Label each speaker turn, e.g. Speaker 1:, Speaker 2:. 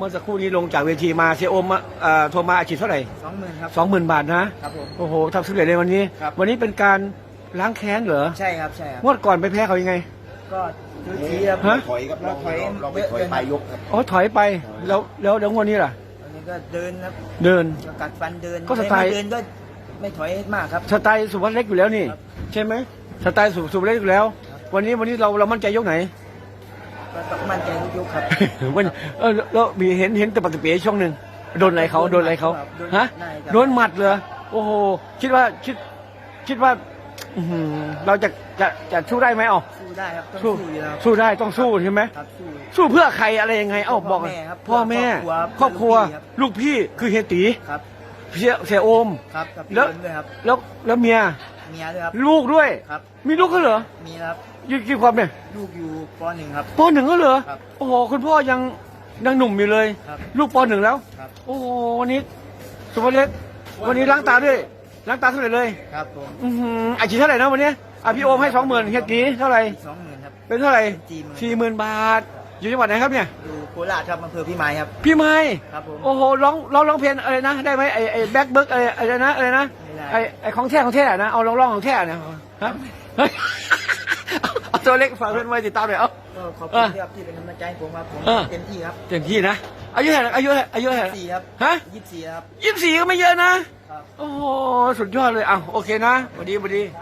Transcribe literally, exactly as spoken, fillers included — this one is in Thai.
Speaker 1: มื่อสักครู่นี้ลงจากเวทีมาเสียโอมมาเอ่อโทรมาอาชีพเท่าไหร่
Speaker 2: สองหมื่นครับ
Speaker 1: สองหมื่นบาทนะครับ
Speaker 2: ผม
Speaker 1: โอ้โหทำสำเร็จเลยวันนี้
Speaker 2: ครับ
Speaker 1: วันนี้เป็นการล้างแค้นเหรอ
Speaker 2: ใช่ครับใช่ครับ
Speaker 1: งวดก่อนไปแพ้เขายังไง
Speaker 2: ก็ซื้อทีครับ
Speaker 1: ฮะ
Speaker 3: ถอยครับ
Speaker 2: เราถอย
Speaker 3: เราไปถอยปลายยกครับ
Speaker 1: อ๋อถอยไปแล้วแล้วแล้วงวดนี้ล่ะ
Speaker 2: อันนี้ก็เดินครับ
Speaker 1: เดิน
Speaker 2: ก็กัดฟันเดิน
Speaker 1: ก็สไตล์
Speaker 2: ม่เดินก็ไม่ถอยมากครับ
Speaker 1: สไตล์สุวัสดิ์เล็กอยู่แล้วนี่
Speaker 2: ครับ
Speaker 1: ใช่ไหมสไตล์สุสุวัสดิ์เล็กอยู่แล้ว วันนี้วันนี้เราเรามั่นใจยกไหน
Speaker 2: ก็ต้องมั่นใจทุกยกครับ
Speaker 1: วันเออแล้วมีเห็นเห็นแต่ปฏิเปียช่วงหนึ่งโดนอะไรเขาโดนอะไรเขาฮะโดนหมัดเลยโอ้โหคิดว่าคิดคิดว่าอื้อหือเราจะจะจะสู้ได้ไหมอ๋อ
Speaker 2: สู้ได้ครับต้อง
Speaker 1: สู้
Speaker 2: สู้อยู่แล้ว
Speaker 1: สู้ได้ต้องสู้ใช่ไหม
Speaker 2: ครับสู้
Speaker 1: สู้เพื่อใครอะไรยังไงเอ้าบอก
Speaker 2: พ่อแม่ครับ
Speaker 1: พ่อแม่ค
Speaker 2: ค
Speaker 1: ร
Speaker 2: ร
Speaker 1: อ
Speaker 2: อ
Speaker 1: บบ ค
Speaker 2: ค
Speaker 1: รั
Speaker 2: รั
Speaker 1: ว
Speaker 2: ว
Speaker 1: ลูกพี่คือเฮียตี
Speaker 2: ครับ
Speaker 1: เสียเสียโอม
Speaker 2: ครับกับพี่
Speaker 1: แล้ว
Speaker 2: เอิญด้วยครับ
Speaker 1: แล้วแล้วเมีย
Speaker 2: เมียด้วยครับ
Speaker 1: ลูกด้วย
Speaker 2: ครับ
Speaker 1: มีลูกก็เหรอ
Speaker 2: มีครับ
Speaker 1: ยี่กี่ความเนี่ย
Speaker 2: ลูกอยู่ปหนึ่งครับ
Speaker 1: ปหนึ่งก็เหรอ
Speaker 2: ครับ
Speaker 1: โอ้โหคุณพ่อยังยังหนุ่มอยู่เลย
Speaker 2: ครับ
Speaker 1: ลูกปหนึ่งแล้ว
Speaker 2: ครับ
Speaker 1: โอ้โหวันนี้สุภเล็กวันนี้ล้างตาด้วยล้างตาเท่าไหร่เลย
Speaker 2: ครับผม
Speaker 1: อือหืออาชีพเท่าไหร่นะวันนี้อ่ะพี่โอมให้สองหมื่นเฮียตีเท่าไหร่
Speaker 2: สองหมื่นครับ
Speaker 1: เป็นเท่าไหร่
Speaker 2: สี่หมื่น
Speaker 1: สี่หมื่นบาท อยู่จังหวัดไหนครับเนี่ย
Speaker 2: อยู่โคราชครับอำเภอพิมายครับ
Speaker 1: พี่ไม้
Speaker 2: ครับผม
Speaker 1: โอ้โหร้องร้องร้องเพลงอะไรนะได้ไหมไอไอแบ็คเบิร์กอะไรอะไรนะอะไรนะ
Speaker 2: ไม่ได้
Speaker 1: ไอไอของแท้ของแท้นะเอาร้องร้องของแท้นะฮะเฮ้ยเอาเอาตัวเล็กฝากเพื่อนไว้ติดตามหน่อยเอา
Speaker 2: ก็ขอบ
Speaker 1: เอ
Speaker 2: คุณ
Speaker 1: อ
Speaker 2: ที่ครับที่เป็นกำลังใจให้ผมครับผม
Speaker 1: เออ
Speaker 2: เต็มที่ครับ
Speaker 1: เต็มที่นะอายุเท่าไหร่อายุเท่าไหร่อายุเท่าไหร่
Speaker 2: สี่ครับ
Speaker 1: ฮะ
Speaker 2: ยี่สิบสี่ครับ
Speaker 1: ยี่สิบสี่ก็ไม่เยอะนะ
Speaker 2: ครับ
Speaker 1: โอ้โหสุดยอดเลยอ่ะโอเคนะสวัสดีสวัสดี